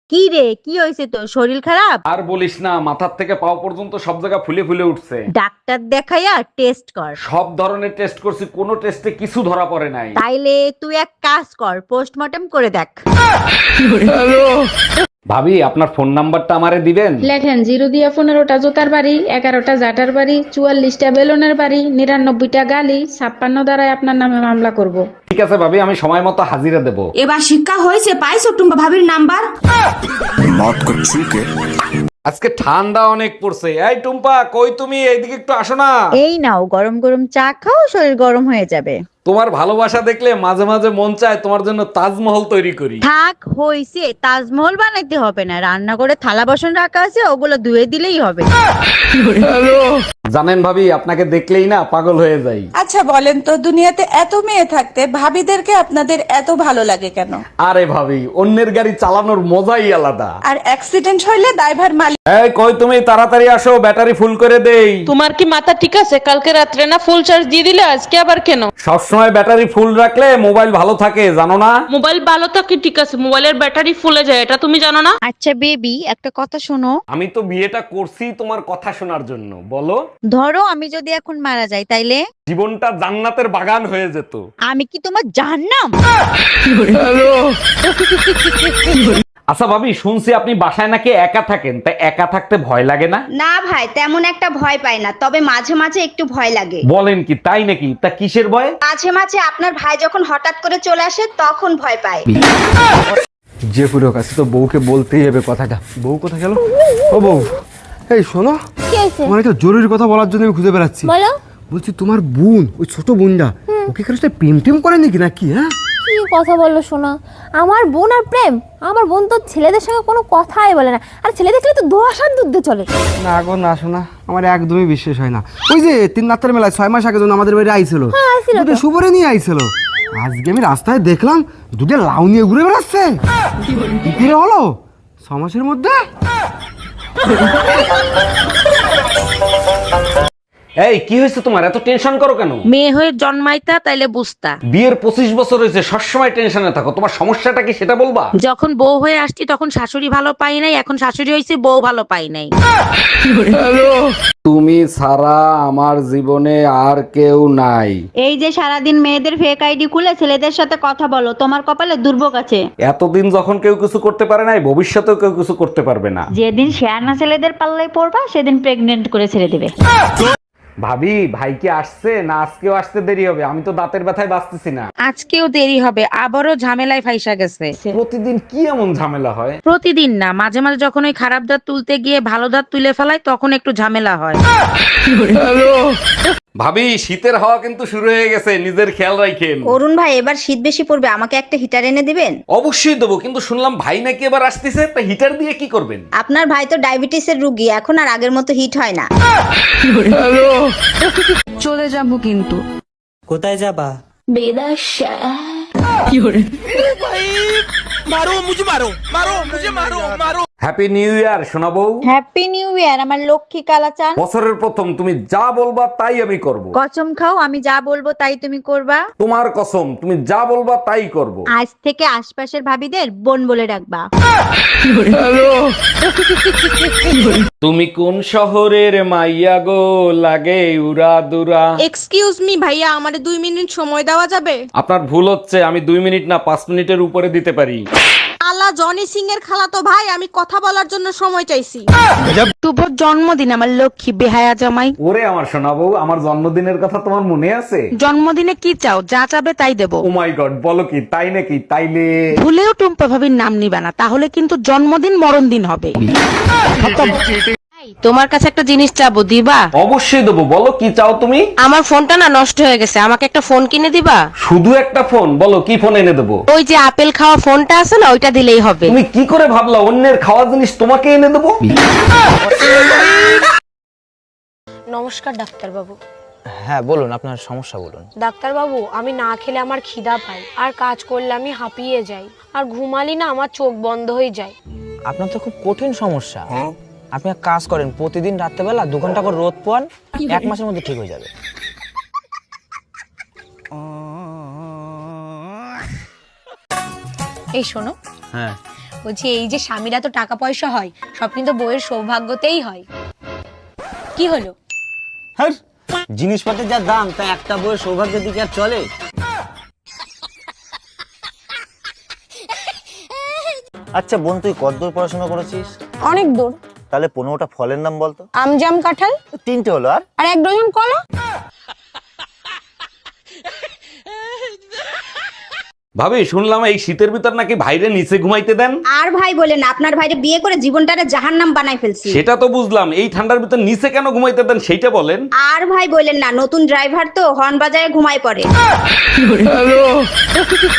কি রে, কি হয়েছে তোর? শরীর খারাপ? আর বলিস না, মাথার থেকে পাও পর্যন্ত সব জায়গা ফুলে ফুলে উঠছে। ডাক্তার দেখাইয়া টেস্ট কর। সব ধরনের টেস্ট করছি, কোনো টেস্টে কিছু ধরা পড়ে নাই। তাইলে তুই এক কাজ কর, পোস্টমর্টম করে দেখ। ভাবি, আপনার ফোন নাম্বারটা আমারে দিবেন? লেখেন 0 দিয়া 15টা জোতার বাড়ি, 11টা জাটার বাড়ি, 44টা বেলুনের বাড়ি, 99টা গালি, 56 দ্বারাই আপনার নামে মামলা করব। ঠিক আছে ভাবি, আমি সময় মতো হাজিরা দেব। এবার শিক্ষা হয়েছে, পাইছো টুম্পা ভাবির নাম্বার? আজকে ঠান্ডা অনেক পড়ছে। এই টুম্পা, কই তুমি? এইদিকে একটু আসো না। এই নাও গরম গরম চা খাও, শরীর গরম হয়ে যাবে। তোমার ভালোবাসা দেখলে মাঝে মাঝে মন চায় তোমার জন্য তাজমহল তৈরি করি। থাক হইছে, তাজমহল বানাইতে হবে না, রান্না করে থালা বাসন রাখা আছে, ওগুলো ধুয়ে দিলেই হবে। জানেন ভাবি, আপনাকে দেখলেই না পাগল হয়ে যাই। আচ্ছা বলেন তো, দুনিয়াতে এত মেয়ে থাকতে ভাবিদেরকে আপনাদের এত ভালো লাগে কেন? আরে ভাবি, অন্যের গাড়ি চালানোর মজাই আলাদা। আর অ্যাক্সিডেন্ট হইলে ড্রাইভার মালিক। এই কই তুমি? তাড়াতাড়ি আসো, ব্যাটারি ফুল করে দেই। তোমার কি মাথা ঠিক আছে? কালকে রাত্রে না ফুল চার্জ দিয়ে দিলে, আজকে আবার কেন? সবসময় ব্যাটারি ফুল রাখলে মোবাইল ভালো থাকে, জানো না? মোবাইল ভালো থাকে ঠিক আছে, মোবাইলের ব্যাটারি ফুলে যায়, এটা তুমি জানো না? আচ্ছা বেবি, একটা কথা শোনো। আমি তো বিয়েটা করছি তোমার কথা শোনার জন্য। বলো। ধরো আমি যদি এখন মারা যাই, তাইলে জীবনটা জান্নাতের বাগান হয়ে যেত। আমি কি তোমার জাহান্নাম? আচ্ছা ভাবি, শুনছি আপনি বাসায় নাকি একা থাকেন, তাই একা থাকতে ভয় লাগে না? না ভাই, তেমন একটা ভয় পাই না, তবে মাঝে মাঝে একটু ভয় লাগে। বলেন কি, তাই নাকি? তা কিসের ভয়? মাঝে মাঝে আপনার ভাই যখন হঠাৎ করে চলে আসে তখন ভয় পায়। যে পুরো কাছে তো বউকে বলতেই হবে কথাটা। বউ কোথায় গেল? ও বউ, এই শোনো, তোমার একটা জরুরি কথা বলার জন্য আমি খুঁজে বেড়াচ্ছি। বলো। বলছি তোমার বোন, ওই ছোট বোনটা, ওকে কারোর সাথে প্রেম টেম করে নাকি নাকি? হ্যাঁ, কি কথা বললো শোনা? আমার বোন আর প্রেম? আমার বোন তো ছেলেদের সঙ্গে কোনো কথাই বলে না, আর ছেলে দেখলে তো দোয়াশার দুধে চলে। না গো না শোনা, আমার একদমই বিশ্বাস হয় না। ওই যে 3 রাতের মেলায় 6 মাস আগে যখন আমাদের বাড়ি আইছিল, আইছিল তো। দুটো সুবরে নিয়ে আইছিল। আজকে আমি রাস্তায় দেখলাম দুটো লাউ নিয়ে ঘুরে বেড়াচ্ছে। কি করে হলো 6 মাসের মধ্যে? এই কি হয়েছে তোমার? এত টেনশন করো কেন? মেয়ে হয়ে জন্মাইতা তাইলে বুঝতা। বিয়ের 25 বছর হয়েছে, সবসময় টেনশনে থাকো। তোমার সমস্যাটা কি সেটা বলবা? যখন বউ হয়ে আসছি তখন শাশুড়ি ভালো পাই নাই, এখন শাশুড়ি হয়েছে বউ ভালো পাই নাই। তুমি ছাড়া আমার জীবনে আর কেউ নাই। এই যে সারাদিন মেয়েদের ফেক আইডি খুলে ছেলেদের সাথে কথা বলো, তোমার কপালে দুর্ভোগ আছে। এতদিন যখন কেউ কিছু করতে পারে নাই, ভবিষ্যতেও কেউ কিছু করতে পারবে না। যেদিন শেয়ানা ছেলেদের পাল্লায় পড়বা, সেদিন প্রেগনেন্ট করে ছেড়ে দেবে। ভাবি, ভাই কি আসছে না আজকেও আসতে দেরি হবে? আমি তো দাঁতের ব্যথায় বাঁচতেছি না। আজকেও দেরি হবে, আবারও ঝামেলায় ফাইসা গেছে। প্রতিদিন কি এমন ঝামেলা হয়? প্রতিদিন না, মাঝে মাঝে যখন ওই খারাপ দাঁত তুলতে গিয়ে ভালো দাঁত তুলে ফেলায় তখন একটু ঝামেলা হয়। ভাবি, শীতের হাওয়া কিন্তু শুরু হয়ে গেছে, নিজের খেয়াল রাখেন। অরুণ ভাই, এবার শীত বেশি পড়বে, আমাকে একটা হিটার এনে দিবেন? অবশ্যই দেবো, কিন্তু শুনলাম ভাই নাকি এবার আসতেছে, তা হিটার দিয়ে কি করবেন? আপনার ভাই তো ডায়াবেটিসের রুগী, এখন আর আগের মতো হিট হয় না। চলে যাব কিন্তু। কোথায় যাবা? হ্যাপি নিউ ইয়ার শোনাবো। হ্যাপি নিউ ইয়ার আমার লক্ষ্মী কালাচান। বছরের প্রথম, তুমি যা বলবা তাই আমি করব। কসম খাও, আমি যা বলবো তাই তুমি করবা। তোমার কসম, তুমি যা বলবা তাই করব। আজ থেকে আশপাশের ভাবিদের বোন বলে ডাকবা। তুমি কোন শহরের মাইয়া গো, লাগে উড়া দুরা? এক্সকিউজ মি ভাইয়া, আমারে 2 মিনিট সময় দেওয়া যাবে? আপনার ভুল হচ্ছে, আমি 2 মিনিট না 5 মিনিটের উপরে দিতে পারি। আলা জনি সিং এর খালাতো ভাই, আমি কথা বলার জন্য সময় চাইছি। শুভ জন্মদিন আমার লক্ষ্মী বেহায়া জামাই। ওরে আমার শোনাবো, আমার জন্মদিনের কথা তোমার মনে আছে? জন্মদিনে কি চাও? যা চাবে তাই দেবো। ও মাই গড, বলো কি? তাই নাকি? তাইলে ভুলেও টুম্পা ভাবির নাম নিবে না, তাহলে কিন্তু জন্মদিন মরণ দিন হবে। তোমার কাছে একটা জিনিস চাবো, দিবা? অবশ্যই দেবো, বলো কি চাও তুমি? আমার ফোনটা না নষ্ট হয়ে গেছে, আমাকে একটা ফোন কিনে দিবা? শুধু একটা ফোন? বলো কি ফোন এনে দেবো? ওই যে আপেল খাওয়া ফোনটা আছে না, ওইটা দিলেই হবে। তুমি কি করে ভাবলা অন্যের খাওয়া জিনিস তোমাকে এনে দেবো? নমস্কার ডাক্তারবাবু। হ্যাঁ বলুন, আপনার সমস্যা বলুন। ডাক্তারবাবু, আমি না খেলে আমার খিদা পায়, আর কাজ করলে আমি হাঁপিয়ে যাই, আর ঘুমালি না আমার চোখ বন্ধ হয়ে যায়। আপনার তো খুব কঠিন সমস্যা। আপনি এক কাজ করেন, প্রতিদিন রাত্রেবেলা 2 ঘন্টা করে রোদ পোয়ান, 1 মাসের মধ্যে ঠিক হয়ে যাবে। এই শোনো, হ্যাঁ, বলছি এই যে স্বামীরা তো টাকা পয়সা হয়, সব কিন্তু বউয়ের সৌভাগ্যতেই হয়। কি হলো? হ্যাঁ, জিনিসপত্রের যা দাম, তা একটা বইয়ের সৌভাগ্যের দিকে আর চলে? আচ্ছা বোন, তুই কতদূর পড়াশোনা করেছিস? অনেক দূর। তাহলে 15টা ফলের নাম বলতো। আম, জাম, কাঁঠাল। 3টে হলো, আর 1 ডজন কলা। ভাবি শুনলাম এই শীতের ভিতর নাকি ভাইরে নিচে ঘুমাইতে দেন। আর ভাই বলেন, আপনার ভাইরে বিয়ে করে জীবনটারে জাহান্নাম বানাই ফেলছি। সেটা তো বুঝলাম, এই ঠান্ডার ভিতর নিচে কেন ঘুমাইতে দেন সেইটা বলেন। আর ভাই বলেন না, নতুন ড্রাইভার তো হর্ন বাজায় ঘুমায় পড়ে।